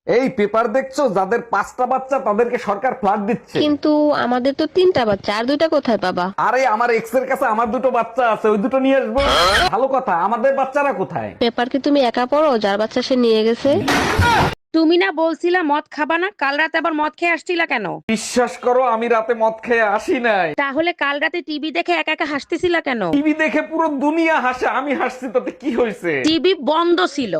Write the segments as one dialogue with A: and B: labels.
A: এই পেপার দেখছো, যাদের 5টা বাচ্চা তাদেরকে সরকার ফ্ল্যাট দিচ্ছে।
B: কিন্তু আমাদের তো 3টা বাচ্চা, আর 2টা কোথায় পাবা?
A: আরে আমার এক্স এর কাছে আমার 2টো বাচ্চা আছে, ওই 2টো নিয়ে আসবো। ভালো কথা, আমাদের বাচ্চারা কোথায়?
B: পেপার কি তুমি একা পড়ো? যার বাচ্চা সে নিয়ে গেছে।
C: তুমি না বলছিলা মদ খাবা না, কাল রাতে আবার মদ খেয়ে আসছিলা কেন?
A: বিশ্বাস করো, আমি রাতে মদ খেয়ে আসি নাই।
C: তাহলে কাল রাতে টিভি দেখে একা একা হাসতেছিলা কেন?
A: টিভি দেখে পুরো দুনিয়া হাসে, আমি হাসছি তাতে কি হয়েছে?
C: টিভি বন্ধ ছিল।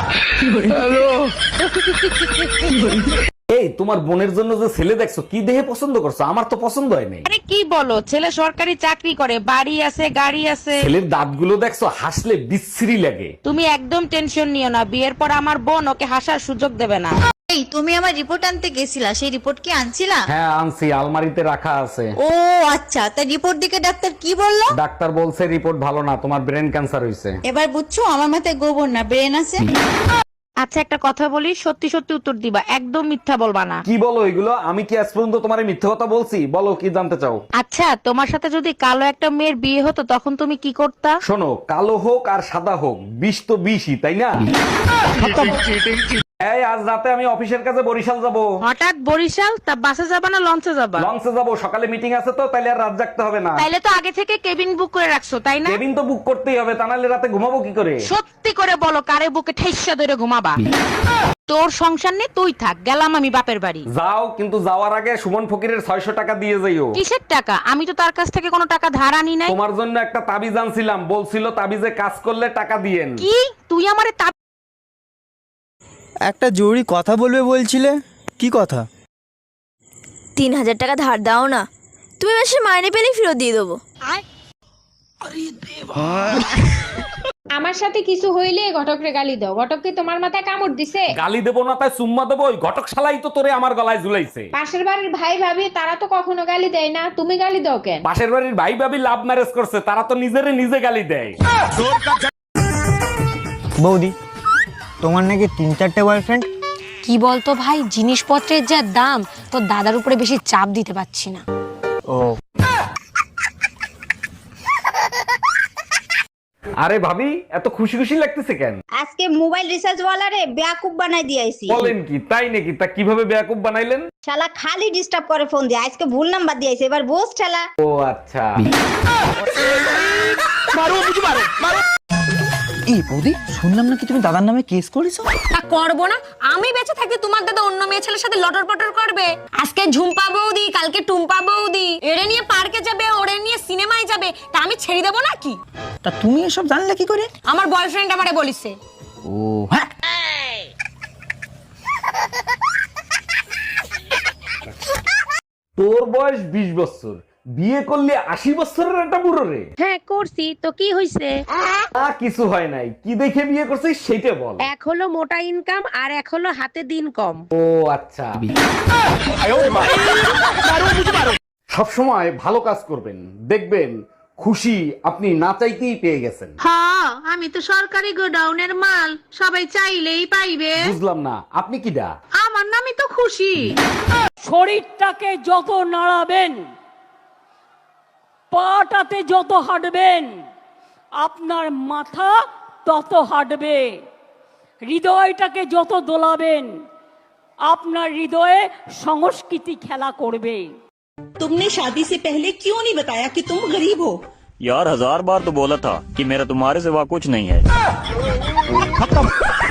A: এই তোমার বোনের জন্য যে ছেলে দেখছো, কি দেখে পছন্দ করছো? আমার তো পছন্দ হয় নাই।
C: আরে কি বলো, ছেলে সরকারি চাকরি করে, বাড়ি আছে, গাড়ি আছে।
A: ছেলের দাঁতগুলো দেখছো, হাসলে বিশ্রী লাগে।
C: তুমি একদম টেনশন নিও না, বিয়ের পর আমার বোন ওকে হাসার সুযোগ দেবে না।
D: এই তুমি আমার রিপোর্ট আনতে গেছিলা, সেই রিপোর্ট কি আনছিলা?
A: হ্যাঁ আনছি, আলমারিতে রাখা আছে।
D: ও আচ্ছা, তা রিপোর্ট দিকে ডাক্তার কি বললো?
A: ডাক্তার বলছে রিপোর্ট ভালো না, তোমার ব্রেন ক্যান্সার হয়েছে।
D: এবার বুঝছো আমার মাথায় গোবর না ব্রেন আছে।
C: আচ্ছা একটা কথা বলি, সত্যি সত্যি উত্তর দিবা, একদম মিথ্যা বলবা না।
A: কি বলো এগুলো? আমি কি আজ পর্যন্ত তোমার মিথ্যে কথা বলছি? বলো কি জানতে চাও?
C: আচ্ছা তোমার সাথে যদি কালো একটা মেয়ের বিয়ে হতো তখন তুমি কি করতা?
A: শোনো, কালো হোক আর সাদা হোক, বিষ তো বিষই, তাই না? এই আজ রাতে আমি অফিসের কাছে বরিশাল যাব।
C: হঠাৎ বরিশাল? তা বাসে যাবা না লঞ্চে যাবা?
A: লঞ্চে যাব, সকালে মিটিং আছে তো, তাইলে আর রাত জাগতে হবে না।
C: তাইলে তো আগে থেকে কেবিন বুক করে রাখছো তাই না?
A: কেবিন তো বুক করতেই হবে, তা নাহলে রাতে ঘুমাবো কি করে?
C: সত্যি করে বলো, কারে বুকে ঠেসা ধরে ঘুমাবা? তোর সংসার নেই, তুই থাক, গেলাম আমি বাপের বাড়ি।
A: যাও, কিন্তু যাওয়ার আগে সুমন ফকিরের 600 টাকা দিয়ে যাইও।
C: কিসের টাকা? আমি তো তার কাছ থেকে কোনো টাকা ধার আনি নাই।
A: তোমার জন্য একটা তাবিজ আনছিলাম, বলছিল তাবিজে কাজ করলে টাকা দিয়েন।
C: কি তুই আমারে
E: একটা জরুরি কথা বলবে বলছিলে, কি কথা?
F: 3000 টাকা ধার দাও না, তুমি মাসে মাইনে পেলেই ফেরত দিয়ে দেবো।
G: আমার সাথে কিছু হইলে ঘটকরে গালি দাও। ঘটক কি তোমার মাথায় কামড় দিছে?
A: গালি দেবো না তাই চুম্মা দেবো? ওই ঘটক শালাই তো তোরে আমার গলায় ঝুলাইছে।
G: পাশের বাড়ির ভাই ভাবি তারা তো কখনো গালি দেয় না, তুমি গালি দাও কেন?
A: পাশের বাড়ির ভাই ভাবি লাভ ম্যারেজ করছে, তারা তো নিজেরে নিজে গালি দেয়।
E: বৌদি, তোমার নাকি 3-4টে বয়ফ্রেন্ড?
H: কি বলতো ভাই, জিনিসপত্রের যা দাম, তোর দাদার উপরে বেশি চাপ দিতে পারছি না।
E: ও
A: আরে ভাবি, এত খুশি খুশি লাগতেছে কেন?
D: আজকে মোবাইল রিচার্জ ওয়ালারে বেয়াকুব বানাই দিয়েছি।
A: বলেন কি, তাই নাকি? তা কিভাবে বেয়াকুব বানাইলেন?
D: শালা খালি ডিস্টার্ব করে ফোন দিয়ে, আজকে ভুল নাম্বার দিয়েছে, এবার বোস শালা।
A: ও আচ্ছা।
E: এই বৌদি, শুনলাম নাকি তুমি দাদার নামে কেস করেছো?
H: তা করবো না? আমি বেঁচে থাকতে তোমার দাদা অন্য মেয়ে ছেলের সাথে লটর পটর করবে? আজকে ঝুম্পা বৌদি, কালকে টুম্পা বৌদি, এরে নিয়ে পার্কে যাবে, ওরে নিয়ে সিনেমায় যাবে, তা আমি ছেড়ে দেবো নাকি?
E: তা তুমি এসব জানলে কি করে?
H: আমার বয়ফ্রেন্ড আমারে বলিছে।
E: ও হ্যাঁ,
A: তোর বয়স 20 বছর, বিয়ে করলে 80 বছরের একটা বুড়ো রে।
C: হ্যাঁ করছি তো, কি হইছে?
A: কিছু হয় নাই, কি দেখে বিয়ে করছিস সেটা বল।
C: এক হলো মোটা ইনকাম, আর এক হলো হাতে দিন কম।
A: ও আচ্ছা। সব সময় ভালো কাজ করবেন, দেখবেন খুশি আপনি না চাইতেই পেয়ে গেছেন।
C: হ্যাঁ, আমি তো সরকারি গোডাউনের মাল, সবাই চাইলেই পাইবে।
A: বুঝলাম না, আপনি কি দা?
C: আমার নামই তো খুশি।
I: শরীরটাকে যত নাড়াবেন, পাটাতে যত হাঁটবেন, আপনার মাথা তত হাঁটবে। হৃদয়টাকে যত দোলাবেন, আপনার হৃদয়ে সংস্কৃতি খেলা করবে।
J: तुमने शादी से पहले क्यों नहीं बताया कि तुम गरीब हो?
K: यार 1000 बार तो बोला था कि मेरा तुम्हारे सिवा कुछ नहीं है।